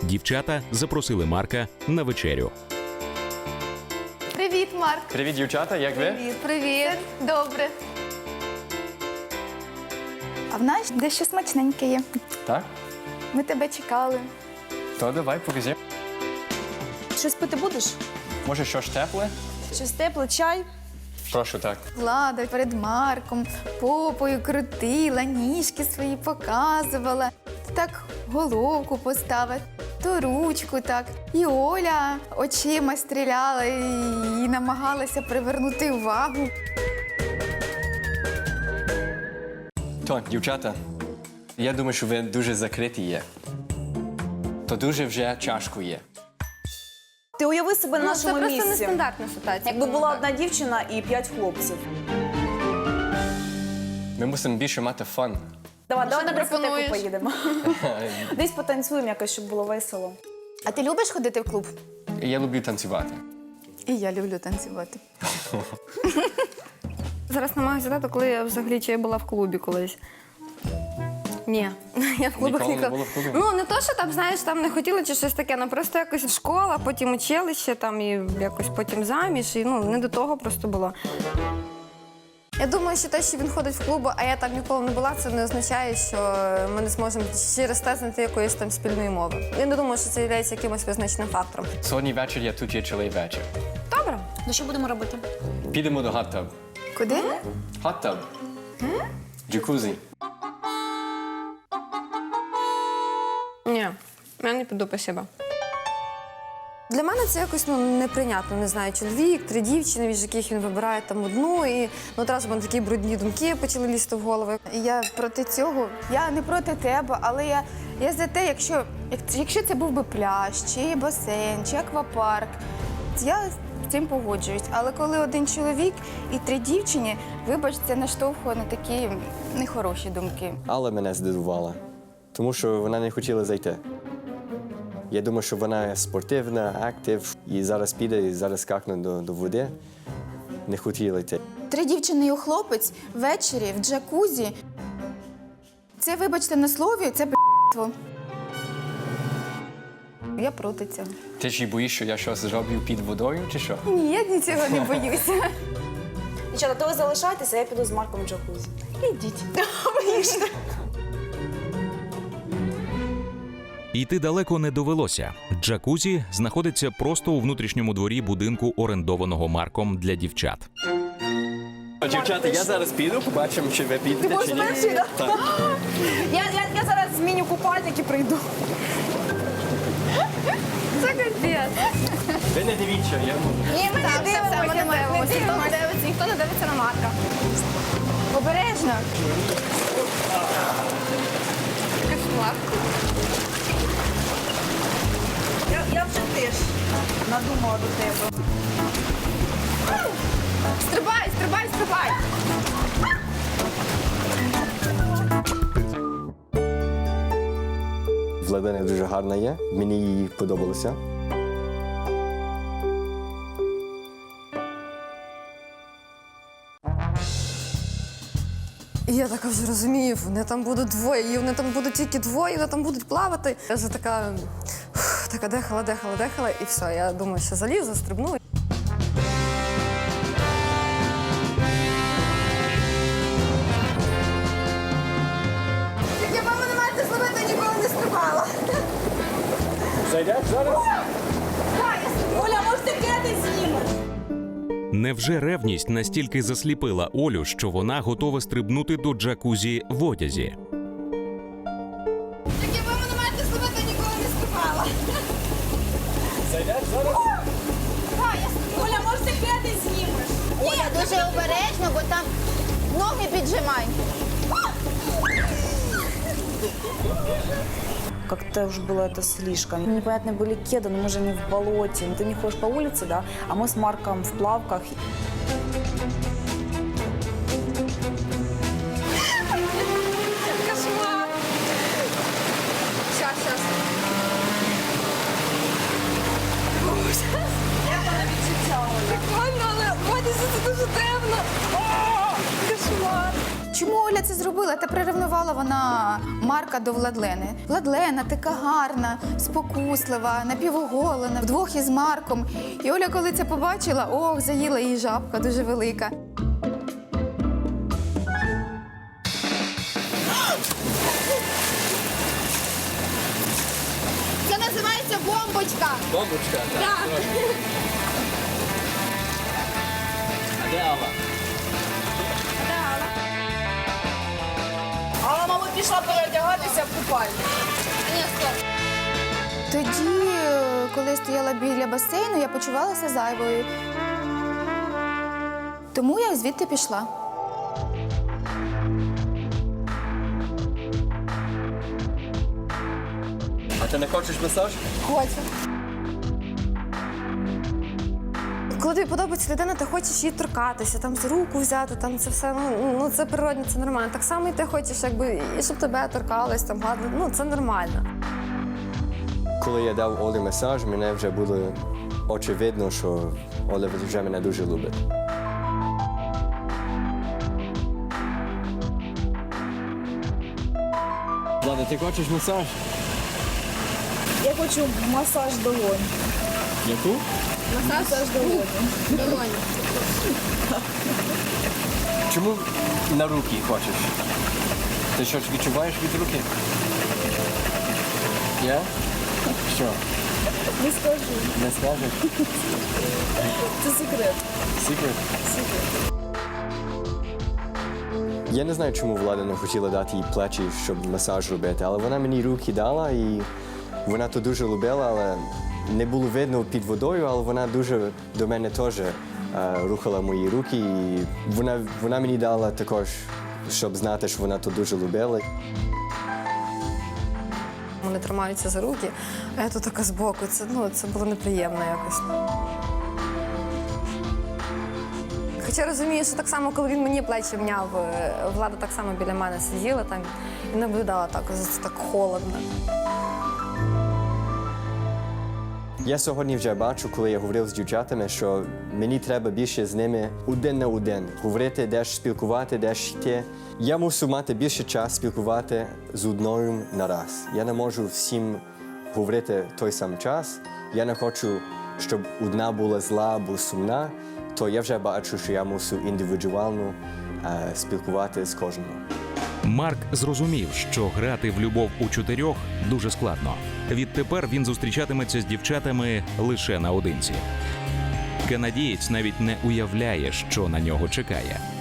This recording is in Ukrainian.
Дівчата запросили Марка на вечерю. Привіт, Марк. Привіт, дівчата, як ви? Привіт. Добре. А в нас дещо смачненьке є. Так? Ми тебе чекали. То давай, покажи. Щось пити будеш? Може, щось тепле? Щось тепле, чай? Прошу, так. Влада перед Марком попою крутила, ніжки свої показувала. Так головку поставила, то ручку так. І Оля очима стріляла і намагалася привернути увагу. То, дівчата, я думаю, що ви дуже закриті є. То дуже вже чашку є. Ти уяви себе на Це нашому просто місці. нестандартна ситуація. Якби була Так. одна дівчина і 5 хлопців. Ми мусимо більше мати фан. Давай Що на ти дискотеку пропонуєш? поїдемо. Десь потанцюємо якось, щоб було весело. А ти любиш ходити в клуб? Я люблю танцювати. І я люблю танцювати. Зараз намагаюся згадати, коли я взагалі чи я була в клубі колись. Ні, я в клубах Ніколи не ніколи. була в клубі? Ну, не то, що там, знаєш, там не хотіли чи щось таке, ну просто якось школа, потім училище, там і якось потім заміж, і ну, не до того просто було. Я думаю, що те, що він ходить в клуб, а я там ніколи не була, це не означає, що ми не зможемо через те знайти якоїсь там спільної мови. Я не думаю, що це є якимось визначним фактором. Сьогодні вечір я тут є цілий вечір. Добре. Ну що будемо робити? Підемо до hot tub. Куди? Hot tub. Джакузі. Ні, я не піду, спасибо. Для мене це якось неприйнятно. Не знаю, чоловік, 3 дівчини, від яких він вибирає там одну, і одразу в мене такі брудні думки почали лізти в голову. Я проти цього. Я не проти тебе, але я за те, якщо це був би пляж, чи басейн, чи аквапарк, я з цим погоджуюсь. Але коли один чоловік і 3 дівчини, вибач, це наштовхує на такі нехороші думки. Але мене здивувала, тому що вона не хотіла зайти. Я думаю, що вона спортивна, актив, і зараз піде, і зараз скакне до води. Не хотіла йти. 3 дівчини і хлопець ввечері в джакузі. Це, вибачте на слові, це б***ство. Я проти цього. Ти ж і боїш, що я щось зроблю під водою, чи що? Ні, я нічого не боюся. Дівчата, то ви залишайтеся, я піду з Марком в джакузі. Ідіть. Йти далеко не довелося. Джакузі знаходиться просто у внутрішньому дворі будинку, орендованого Марком для дівчат. Дівчата, я зараз піду, побачимо, чи ви підете, Ти будеш чи ні. перший, так? Так. Я зараз зміню купальник і прийду. Це капець. Ви не дивіться, я... Ні, ми Так, не все, ми не дивимося. дивимося. Ніхто не дивиться на Марка. Обережно. Кошмар. Я вже теж надумала до тебе. Стрибай, стрибай, стрибай. Владина дуже гарна є, мені її подобалося. І я така вже розумію, вони там будуть двоє, і вони там будуть тільки двоє, вони там будуть плавати. Я вже така дихала, і все, я думаю, що залізу, стрибну. Я мама не мати зловити, ніколи не стрибала. Зайдеш зараз? Оля, може ти кеди знімеш? Невже ревність настільки засліпила Олю, що вона готова стрибнути до джакузі в одязі? Я мама не мати зловити, ніколи не стрибала. Зайдеш зараз? Оля, може ти кеди знімеш? Оля, дуже обережно, бо там ноги піджимай. Как-то уж было это слишком. Непонятные были кеды, но мы же не в болоте. Ты не ходишь по улице, да? А мы с Марком в плавках. Кошмар. Щас. Прикольно, але в одязі це дуже темно. Кошмар. Чому Оля це зробила? Та приревнувала вона Марка до Владлени. Владлена така гарна, спокуслива, напівоголена, вдвох із Марком. І Оля, коли це побачила, ох, заїла її жабка дуже велика. Це називається бомбочка. Бомбочка, так. Так. А де Алла? Алла, мабуть, пішла переодягатися в купальню. Тоді, коли я стояла біля басейну, я почувалася зайвою. Тому я звідти пішла. А ти не хочеш масаж? Хочу. Коли тобі подобається людина, ти хочеш її торкатися, там за руку взяти, там це все, ну це природне, це нормально. Так само і ти хочеш, якби, і щоб тебе торкались, там гладили, ну це нормально. Коли я дав Олі масаж, мене вже було очевидно, що Оля вже мене дуже любить. Влада, ти хочеш масаж? Я хочу масаж долонь. Яку? Масаж долонь. Чому на руки хочеш? Ти щось відчуваєш від руки? Я? Що? Не скажу. Не скажеш? Це секрет. Секрет? Я не знаю, чому Влада не хотіла дати їй плечі, щоб масаж робити, але вона мені руки дала і вона то дуже любила, але не було видно під водою, але вона дуже до мене теж рухала мої руки. І вона мені дала також, щоб знати, що вона то дуже любила. Вони тримаються за руки, а я тут така збоку. Це було неприємно якось. Хоча розумію, що так само, коли він мені плечі мняв, Влада так само біля мене сиділа там і наблюдала так, це так холодно. Я сьогодні вже бачу, коли я говорив з дівчатами, що мені треба більше з ними один на один. Говорити, де ж спілкувати, де ж йти. Я мушу мати більше час спілкувати з одною на раз. Я не можу всім говорити той самий час. Я не хочу, щоб одна була зла або сумна, то я вже бачу, що я мушу індивідуально спілкувати з кожним. Марк зрозумів, що грати в любов у чотирьох дуже складно. Відтепер він зустрічатиметься з дівчатами лише наодинці. Канадієць навіть не уявляє, що на нього чекає.